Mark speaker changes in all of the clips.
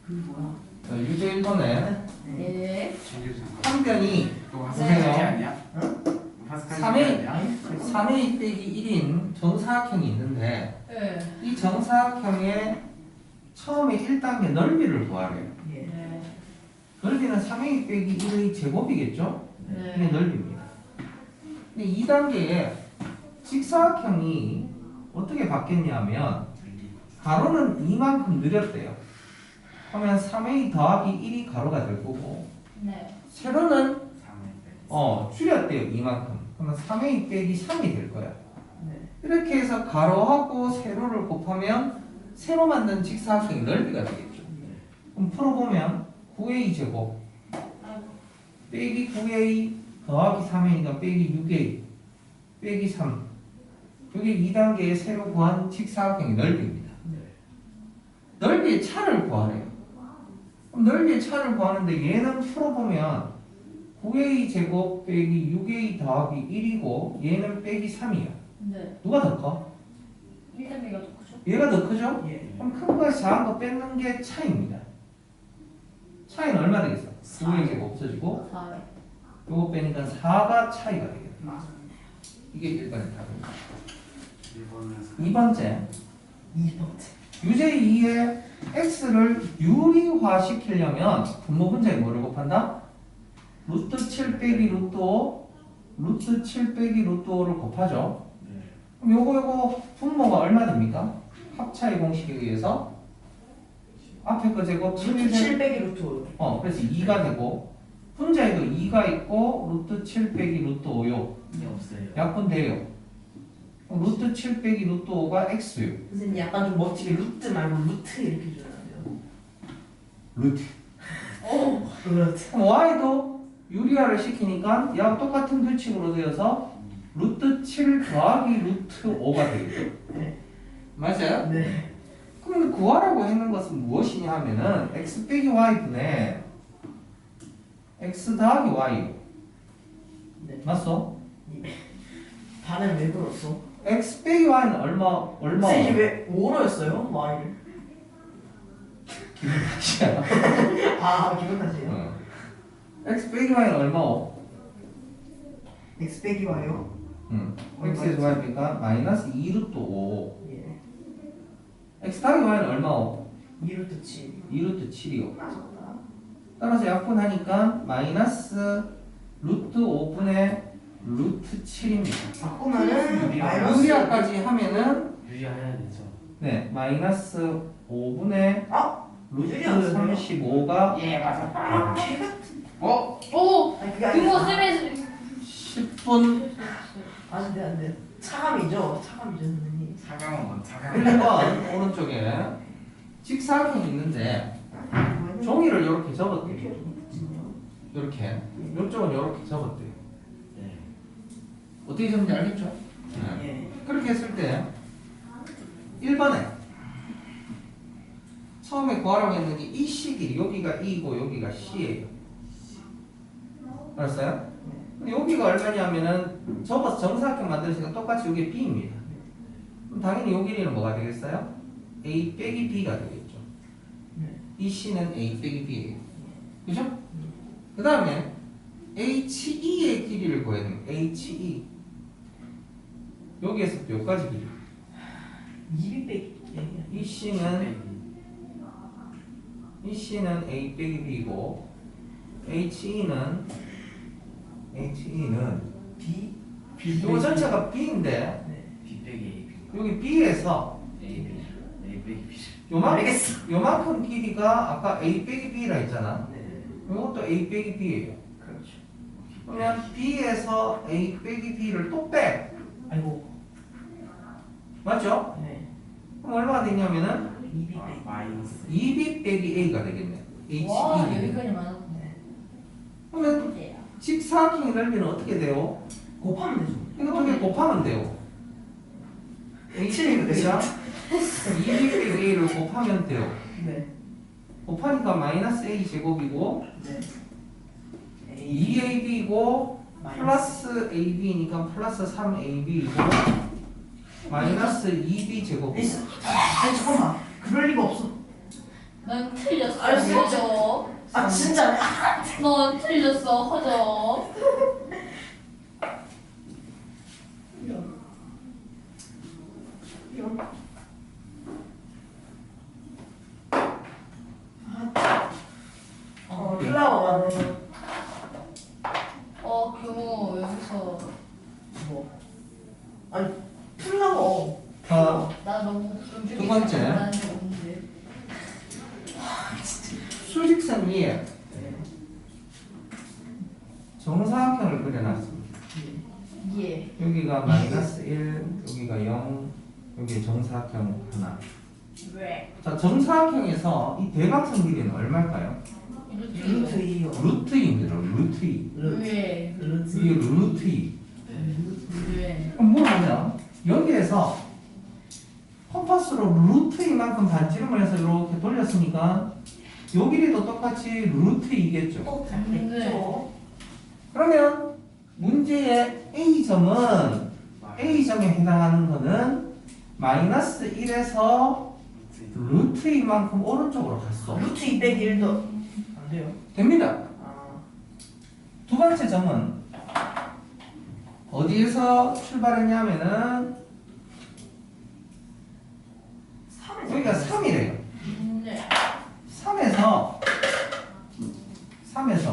Speaker 1: 뭐야?
Speaker 2: 유제 1번에
Speaker 3: 네.
Speaker 2: 한 변이 보세요.
Speaker 1: 아니야?
Speaker 2: 3a 빼기 1인 정사각형이 있는데
Speaker 3: 네.
Speaker 2: 이 정사각형의 처음에 1단계 넓이를 구하래요.
Speaker 3: 네.
Speaker 2: 넓이는 3a 빼기 1의 제곱이겠죠? 이게
Speaker 3: 네.
Speaker 2: 넓이입니다. 근데 2단계에 직사각형이 어떻게 바뀌었냐면 가로는 이만큼 늘렸대요. 그러면 3a 더하기 1이 가로가 될 거고
Speaker 3: 네.
Speaker 2: 세로는 줄였대요. 이만큼. 그러면 3a 빼기 3이 될 거야.
Speaker 1: 네.
Speaker 2: 이렇게 해서 가로하고 세로를 곱하면 세로 만든 직사각형의 넓이가 되겠죠. 그럼 풀어보면 9a 제곱 빼기 9a 더하기 3a니까 빼기 6a 빼기 3 이게 2단계의 세로 구한 직사각형의 넓이입니다. 넓이의 차를 구하래요. 그럼 넓이의 차를 구하는데 얘는 풀어보면 9a 제곱 빼기 6a 더하기 1이고 얘는 빼기 3이야.
Speaker 3: 네.
Speaker 2: 누가 더 커?
Speaker 3: 1단계가 더 크죠?
Speaker 2: 얘가 더 크죠?
Speaker 1: 예.
Speaker 2: 그럼 큰 거에서 작은 거 뺏는 게 차이입니다. 차이는 얼마 되겠어? 9a 제곱 없어지고
Speaker 3: 4.
Speaker 2: 요거 빼니까 4가 차이가 되겠다. 이게 1번의 답입니다. 2번째
Speaker 1: 2번째.
Speaker 2: 유제 2의 x를 유리화시키려면 분모 분자에 뭐를 곱한다? 루트 7 빼기 루트 5 루트 7 빼기 루트 5를 곱하죠. 그럼 요거 분모가 얼마 됩니까? 합차의 공식에 의해서 앞에 거 제곱
Speaker 1: 루트 7 빼기 루트 5.
Speaker 2: 그래서 2가 되고 분자에도 2가 있고 루트 7 빼기 루트 5요.
Speaker 1: 이게 없어요.
Speaker 2: 약분돼요. 루트 7 빼기 루트 5가 x요.
Speaker 1: 선생님 약간 좀 멋지게 루트 말고 루트 이렇게 줘야 돼요.
Speaker 2: 루트.
Speaker 1: 그렇지.
Speaker 2: 그럼 y도 유리화를 시키니까 얘하고 똑같은 규칙으로 되어서 루트 7 더하기 루트 5가 되겠죠.
Speaker 1: 네.
Speaker 2: 맞아요?
Speaker 1: 네.
Speaker 2: 그럼 구하라고 했는 것은 무엇이냐 하면은 x 빼기 y분의 x 더하기 y.
Speaker 1: 네.
Speaker 2: 맞소?
Speaker 1: 반은 왜 그랬어?
Speaker 2: x 빼기 y는 얼마?
Speaker 1: 선생님 왜 5로 했어요? y를?
Speaker 2: 기분 탓이야.
Speaker 1: 아 기분 탓이에요?
Speaker 2: x 빼기 y는 얼마오?
Speaker 1: x 빼기 y요?
Speaker 2: x에서 y니까 마이너스 2 루트 5.
Speaker 1: 예.
Speaker 2: x 더하기 y는 얼마오?
Speaker 1: 2루트 7.
Speaker 2: 2 루트 7이요.
Speaker 1: 맞았다.
Speaker 2: 따라서 약분하니까 마이너스 루트 5분의 루트 7입니다.
Speaker 1: 바꾸면은 마이너스
Speaker 2: 유리화까지 하면은
Speaker 4: 유리해야 되죠.
Speaker 2: 네 마이너스 5분의 루트
Speaker 1: 유리화는
Speaker 2: 35가
Speaker 1: 예 맞았다.
Speaker 3: 오!
Speaker 1: 아니 그게
Speaker 3: 등호
Speaker 1: 아니라
Speaker 3: 쌤의
Speaker 2: 10분
Speaker 1: 안돼 차감이죠 선생님.
Speaker 4: 사강은 뭔 사강?
Speaker 2: 1번 오른쪽에 직사각형이 있는데 종이를 이렇게 접었대요. 이렇게 이쪽은 이렇게 접었대요.
Speaker 4: 네.
Speaker 2: 어떻게 접는지 알겠죠?
Speaker 1: 예.
Speaker 2: 그렇게 했을 때 1번에 처음에 구하라고 했는 게 이 식이 여기가 E고 여기가 C예요. 알았어요? 근데 여기가 얼마냐면은 접어서 정사각형 만드니까 똑같이 여기 B입니다. 그럼 당연히 요 길이는 뭐가 되겠어요? A 빼기 B가 되겠죠. 이 C는 A 빼기 B예요. 그죠? 그 다음에 HE의 길이를 구해야 됩니다. HE 여기에서부터 여기까지 길이.
Speaker 1: 2 빼기
Speaker 2: 이 C는 A 빼기 B고 HE는
Speaker 1: B
Speaker 2: 이거 전체가 B인데
Speaker 4: B 빼기 A B.
Speaker 2: 여기 B에서
Speaker 4: A B. A 빼기 B.
Speaker 2: 요만큼 길이가 아까 A 빼기 B라 했잖아.
Speaker 1: 네.
Speaker 2: 이것도 A 빼기 B예요.
Speaker 1: 그렇죠.
Speaker 2: 그러면 B에서 A 빼기 B를 또 빼.
Speaker 1: 아이고.
Speaker 2: 맞죠?
Speaker 1: 네.
Speaker 2: 그럼 얼마가 되냐면은
Speaker 1: 2B 빼기.
Speaker 4: 마이너스.
Speaker 2: 2B 빼기 A가 되겠네.
Speaker 3: 와,
Speaker 2: HE.
Speaker 3: 여기까지 많았네.
Speaker 1: 네.
Speaker 2: 그러면 직사각형의 넓이는 어떻게 돼요?
Speaker 1: 곱하면 되죠.
Speaker 2: 이거 두 개 곱하면 돼요. A 빼기 B랑 2B 빼기 A를 곱하면 돼요.
Speaker 1: 네.
Speaker 2: 곱하니까 마이너스 A 제곱이고
Speaker 1: 네.
Speaker 2: 2AB이고 플러스 AB니까 플러스 3AB이고 마이너스 2B 제곱이고
Speaker 1: 아니 잠깐만. 그럴 리가 없어.
Speaker 3: 넌 틀렸어.
Speaker 1: 알았어.
Speaker 3: 허접.
Speaker 1: 아 진짜.
Speaker 3: 넌 틀렸어. 허접.
Speaker 1: 플라워.
Speaker 3: 규모 여기서
Speaker 1: 뭐? 아니 플라워.
Speaker 3: 나 너무 좀
Speaker 2: 두 번째.
Speaker 3: 나는 적 없는데.
Speaker 2: 수직선 위에 정사각형을 그려놨습니다.
Speaker 3: 예.
Speaker 2: 여기가 마이너스 1, 여기가 0, 여기 정사각형 하나.
Speaker 3: 왜?
Speaker 2: 자, 정사각형에서 이 대각선 길이는 얼마일까요?
Speaker 1: 루트 2요.
Speaker 2: 루트 2입니다. 루트 2.
Speaker 3: 왜?
Speaker 2: 이게 루트 2.
Speaker 3: 왜?
Speaker 2: 그럼 뭘 보면 여기에서 컴파스로 루트 2만큼 반지름을 해서 이렇게 돌렸으니까 요 길이도 똑같이 루트 2겠죠.
Speaker 1: 됐죠.
Speaker 2: 그러면 문제의 A점은 A점에 해당하는 거는 마이너스 1에서 루트 2만큼 오른쪽으로 갔어.
Speaker 1: 루트 2 빼기 1도 안 돼요.
Speaker 2: 됩니다.
Speaker 1: 아.
Speaker 2: 두 번째 점은 어디에서 출발했냐면은
Speaker 1: 3에서
Speaker 2: 여기가 3이래요.
Speaker 3: 네.
Speaker 2: 3에서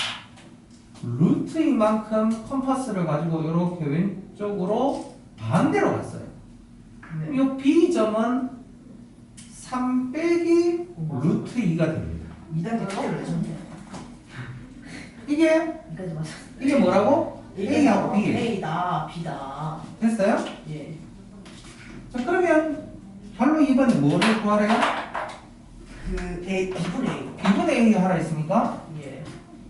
Speaker 2: 루트 2만큼 컴파스를 가지고 이렇게 왼쪽으로 반대로 갔어요.
Speaker 1: 네.
Speaker 2: 이 B점은 3 빼기 루트 2가 됩니다.
Speaker 1: 2단계 K를 내셨네.
Speaker 2: 이게
Speaker 1: 여기까지 맞아.
Speaker 2: 이게 뭐라고? A하고 B.
Speaker 1: A다 B다.
Speaker 2: 됐어요?
Speaker 1: 예.
Speaker 2: 자, 그러면 결로 2번에 뭐를 구하래요?
Speaker 1: 그 A B분의 A.
Speaker 2: B분의 A 하라 했으니까
Speaker 1: 예.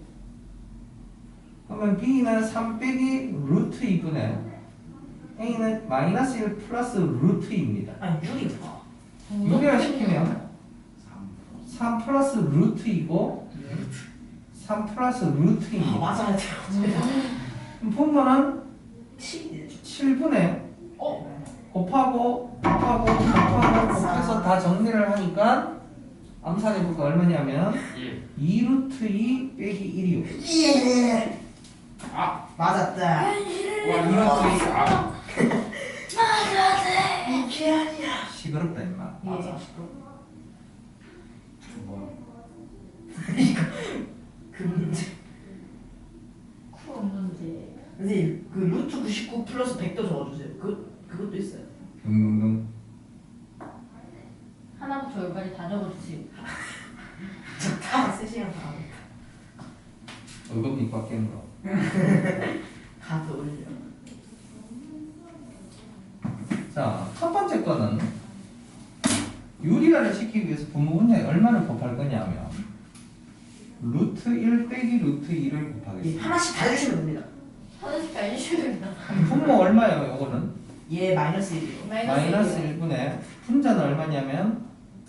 Speaker 2: 그러면 B는 3 빼기 루트 2분의 A는 마이너스 1 플러스 루트 2입니다.
Speaker 1: 아니 6이구나.
Speaker 2: 유리화시키면 3 플러스 루트 2고 3 플러스 루트
Speaker 1: 아
Speaker 2: 2입니다.
Speaker 1: 맞아야 돼요.
Speaker 2: 그럼 분모는
Speaker 1: 7.
Speaker 2: 7분의
Speaker 3: 어?
Speaker 2: 곱하고 곱해서 다 정리를 하니까 암산해볼까 얼마냐면 2 루트 2 빼기 1이요.
Speaker 1: 예.
Speaker 4: 아!
Speaker 1: 맞았다.
Speaker 4: 와, 2루트 2. 아!
Speaker 1: 이게 아니야.
Speaker 2: 시끄럽다 임마.
Speaker 1: 맞아.
Speaker 4: 뭐야?
Speaker 1: 그 문제.
Speaker 3: 쿨 없는데.
Speaker 1: 선생님 그 루트 99 플러스 100도 적어주세요. 그것도 있어요.
Speaker 2: 둥둥둥.
Speaker 3: 하나부터 열까지 다 적어주세요.
Speaker 1: 저다 3시간 다 하니까.
Speaker 2: 얼굴 빛 바뀌는 거.
Speaker 1: 다 떠올려.
Speaker 2: 자, 첫 번째 거는 유리화를 시키기 위해서 분모 분자에 얼마를 곱할 거냐면 루트 1 빼기 루트 2를
Speaker 1: 예,
Speaker 2: 곱하겠습니다.
Speaker 1: 하나씩 다 해주시면 됩니다.
Speaker 3: 하나씩 다 해주셔야 된다.
Speaker 2: 분모 얼마예요? 요거는
Speaker 1: 예, 마이너스 1이요.
Speaker 2: 마이너스 1분의 분자는 얼마냐면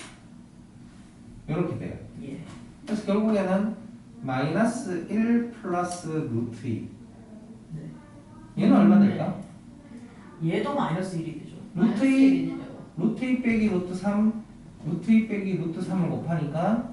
Speaker 2: 이렇게 돼요.
Speaker 1: 예.
Speaker 2: 그래서 결국에는 마이너스 1 플러스 루트 2.
Speaker 1: 네.
Speaker 2: 얘는 얼마 될까?
Speaker 1: 얘도 마이너스 1이 되죠.
Speaker 2: 루트 2 루트 2 빼기 루트 3 루트 2 빼기 루트 3을 곱하니까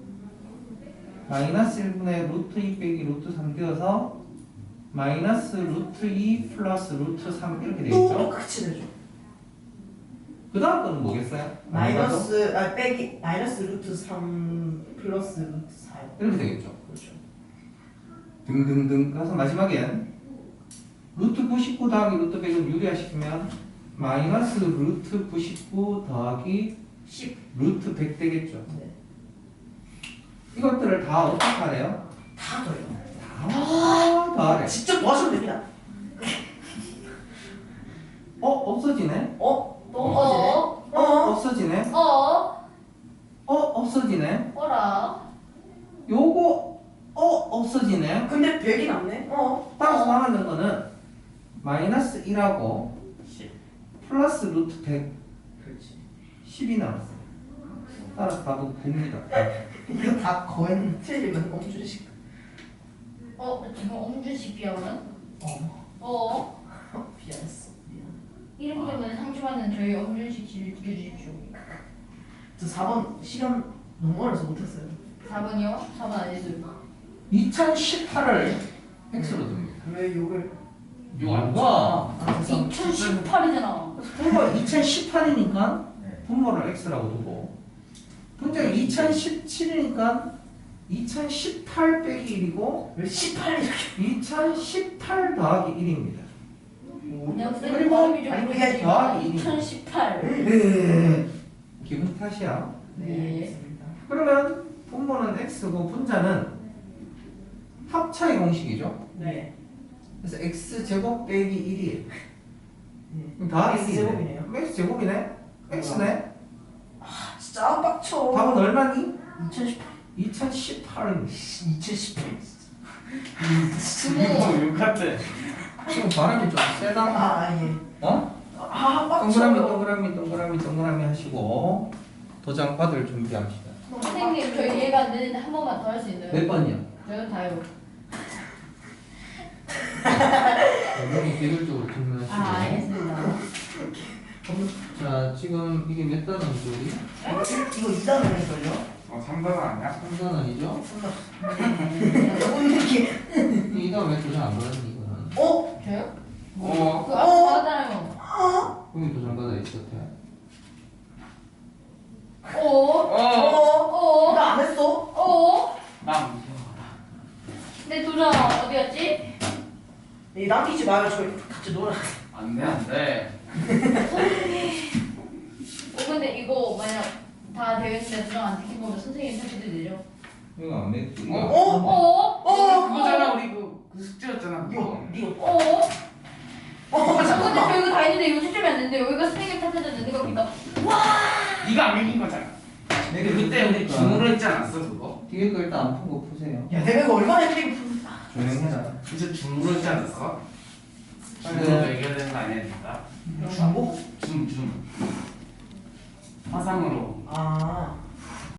Speaker 2: 마이너스 1분의 루트 2 빼기 루트 3 되어서 마이너스 루트 2 플러스 루트 3 이렇게
Speaker 1: 또
Speaker 2: 되겠죠?
Speaker 1: 똑같이 되죠.
Speaker 2: 그 다음 거는 뭐겠어요?
Speaker 1: 마이너스 빼기 마이너스 루트 3 플러스 루트 4요.
Speaker 2: 이렇게 되겠죠?
Speaker 1: 그렇죠.
Speaker 2: 등등등. 그래서 마지막엔 루트 99 더하기 루트 100은 유리화시키면 마이너스 루트 99 더하기
Speaker 1: 10.
Speaker 2: 루트 100 되겠죠?
Speaker 1: 네.
Speaker 2: 이것들을 다 어떻게 하래요?
Speaker 1: 다 더요.
Speaker 2: 다 더하래.
Speaker 1: 직접 도와주면 됩니다.
Speaker 2: 없어지네?
Speaker 1: 또 없어지네?
Speaker 2: 없어지네?
Speaker 3: 어?
Speaker 2: 없어지네?
Speaker 3: 어라?
Speaker 2: 요거 없어지네?
Speaker 1: 근데 100이 남네?
Speaker 2: 따라서 남았는 거는 마이너스 1하고
Speaker 4: 10.
Speaker 2: 플러스 루트 100
Speaker 1: 그렇지.
Speaker 2: 10이 남았어요. 따라서 답은 9입니다.
Speaker 1: 이거 다 거의 틀리면 엄준식.
Speaker 3: 지금 엄준식 비하면?
Speaker 1: 어. 미안했어. 미안.
Speaker 3: 이름 때문에 상심하는 저희 엄준식 씨를 죽여주십시오.
Speaker 1: 저 4번 시간 너무 어려서 못했어요.
Speaker 3: 4번이요? 4번 아니죠?
Speaker 2: 2018을 x로 둡니다.
Speaker 1: 왜 욕을?
Speaker 2: 뭐가?
Speaker 3: 2018이잖아.
Speaker 2: 분모 2018이니까
Speaker 4: 네.
Speaker 2: 분모를 x라고 두고 분자가 2017이니까 2018 빼기 1이고
Speaker 1: 왜 18 이렇게?
Speaker 2: 2018 더하기 1입니다.
Speaker 3: 그리고
Speaker 2: 아니, 더하기 1.
Speaker 3: 2018.
Speaker 2: 기분 탓이야.
Speaker 3: 네.
Speaker 1: 알겠습니다.
Speaker 2: 그러면 분모는 x고 분자는 합차의 공식이죠.
Speaker 1: 네.
Speaker 2: 그래서 x제곱 빼기 1이에요.
Speaker 1: 네.
Speaker 2: 더하기
Speaker 1: X제곱이네요.
Speaker 2: 1이네요. x제곱이네? x네?
Speaker 1: 진짜 빡쳐.
Speaker 2: 답은 얼마니?
Speaker 3: 2018.
Speaker 2: 2018입니다.
Speaker 1: 2018.
Speaker 3: 부모.
Speaker 4: 욕 같아.
Speaker 2: 지금 바람이 좀 세다.
Speaker 1: 아 예.
Speaker 2: 어?
Speaker 1: 아 빡쳐.
Speaker 2: 동그라미 하시고 도장 받을 준비합시다.
Speaker 3: 선생님 저희 이해가 안 되는데 한 번만 더 할 수 있나요?
Speaker 2: 몇 번이요?
Speaker 3: 저는 다요.
Speaker 2: 여기 개별적으로 질문하시고.
Speaker 3: 아 알겠습니다.
Speaker 2: 자, 지금 이게 몇 단원이죠, 우리?
Speaker 1: 이거 2단원일걸요?
Speaker 4: 3단 아니야?
Speaker 2: 3단원이죠?
Speaker 1: 너무 느낌.
Speaker 2: 이 다음에 도장 안 받았니, 이거는?
Speaker 1: 어?
Speaker 3: 저요?
Speaker 4: 어.
Speaker 3: 그 앞에 받았잖아요.
Speaker 2: 여기 도장 받아 있을 때.
Speaker 3: 오.
Speaker 1: 나안 했어?
Speaker 3: 오.
Speaker 4: 나 무서워.
Speaker 3: 내 도장 어디 갔지?
Speaker 1: 이 남기지 마요. 저희 같이 놀아.
Speaker 4: 안 돼, 안 돼.
Speaker 3: 근데 이거 만약 다 되겠는데 도장 안 찍힌 거면 선생님 탓해도 되죠?
Speaker 2: 이거 안 맺지?
Speaker 4: 어?
Speaker 3: 오.
Speaker 4: 그거잖아, 우리 그 숙제였잖아.
Speaker 1: 이거
Speaker 4: 그거.
Speaker 1: 이거.
Speaker 3: 오. 근데 저
Speaker 1: 잠깐만.
Speaker 3: 이거 다 했는데 이거 채점이 안 되는데 여기가 선생님 탓해도 되는 겁니다.
Speaker 4: 네가 안 읽은 거잖아.
Speaker 2: 내가
Speaker 4: 그때 우리 중으로 했지 않았어, 그거?
Speaker 2: 뒤에 거 일단 안 푼 거 푸세요.
Speaker 1: 야 내가 이거 얼마나 힘들게
Speaker 2: 조용해라.
Speaker 4: 진짜 중으로 했지 않았어?
Speaker 2: 네.
Speaker 4: 중으로 얘기해야 되는 거 아니야, 진짜?
Speaker 1: 중고?
Speaker 4: 중. 화상으로.
Speaker 1: 아